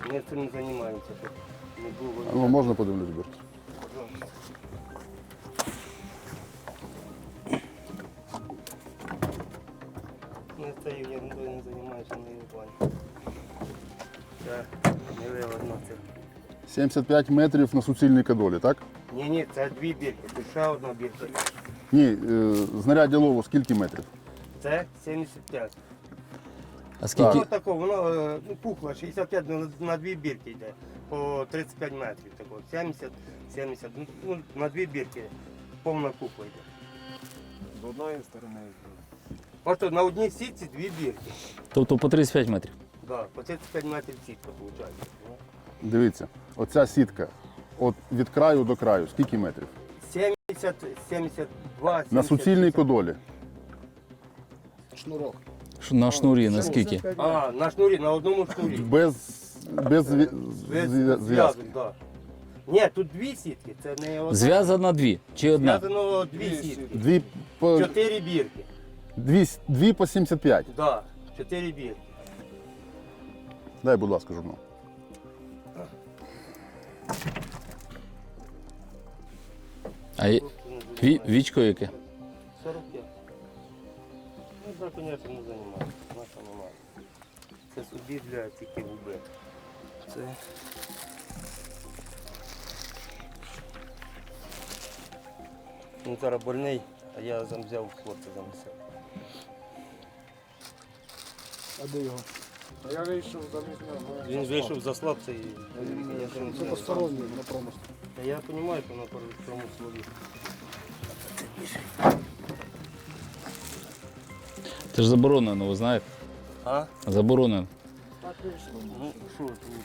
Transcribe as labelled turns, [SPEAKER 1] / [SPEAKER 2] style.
[SPEAKER 1] Ми цим не займаємося, щоб не було.
[SPEAKER 2] Ну, можна подивлюсь бірки?
[SPEAKER 1] Ми цією ерундою не займаємося, не в плані. Це не виводно це.
[SPEAKER 2] 75 метрів на суцільній кадолі, так?
[SPEAKER 1] Ні, це дві бірки, тут ще одна бірка.
[SPEAKER 2] Ні, знаряддя лову скільки метрів?
[SPEAKER 1] Це 75.
[SPEAKER 3] А скільки?
[SPEAKER 1] Ось тако, воно пухло, 65 на дві бірки йде, по 35 метрів. Тако, 70, ну, на дві бірки повна купа йде.
[SPEAKER 4] З одної сторони.
[SPEAKER 1] Просто на одній сітці дві бірки.
[SPEAKER 3] Тобто по 35 метрів.
[SPEAKER 1] Да, по 35 метрів сітка виходить.
[SPEAKER 2] Дивіться, оця сітка от від краю до краю, скільки метрів?
[SPEAKER 1] 70, 72, 70.
[SPEAKER 2] На суцільній кодолі.
[SPEAKER 4] Шнурок.
[SPEAKER 3] На шнурі наскільки?
[SPEAKER 1] А, на шнурі, на одному шнурі.
[SPEAKER 2] Без зв'язки.
[SPEAKER 1] Зв'язок, так. Ні, тут дві сітки, це не одна.
[SPEAKER 3] Зв'язана дві чи одна?
[SPEAKER 1] Зв'язано дві сітки.
[SPEAKER 2] Дві
[SPEAKER 1] 4 бірки.
[SPEAKER 2] дві по 75.
[SPEAKER 1] Так, да, 4 бірки.
[SPEAKER 2] Дай, будь ласка, журнал.
[SPEAKER 3] А вічко яке?
[SPEAKER 1] 45. Ну, так, звісно, не займається. Наша немає. Це собі для тільки губи. Це. Він зараз больний, а я взяв хлопця занесив.
[SPEAKER 4] А де його? А я вийшов замість нього.
[SPEAKER 1] Він вийшов за хлопця і я
[SPEAKER 4] Це посторонній на промислі.
[SPEAKER 1] Та я розумію, що на цьому слові.
[SPEAKER 3] Це ж заборонено, ви знаєте?
[SPEAKER 1] А?
[SPEAKER 3] Заборонено.
[SPEAKER 4] Так вийшло.
[SPEAKER 1] Ну, що тут?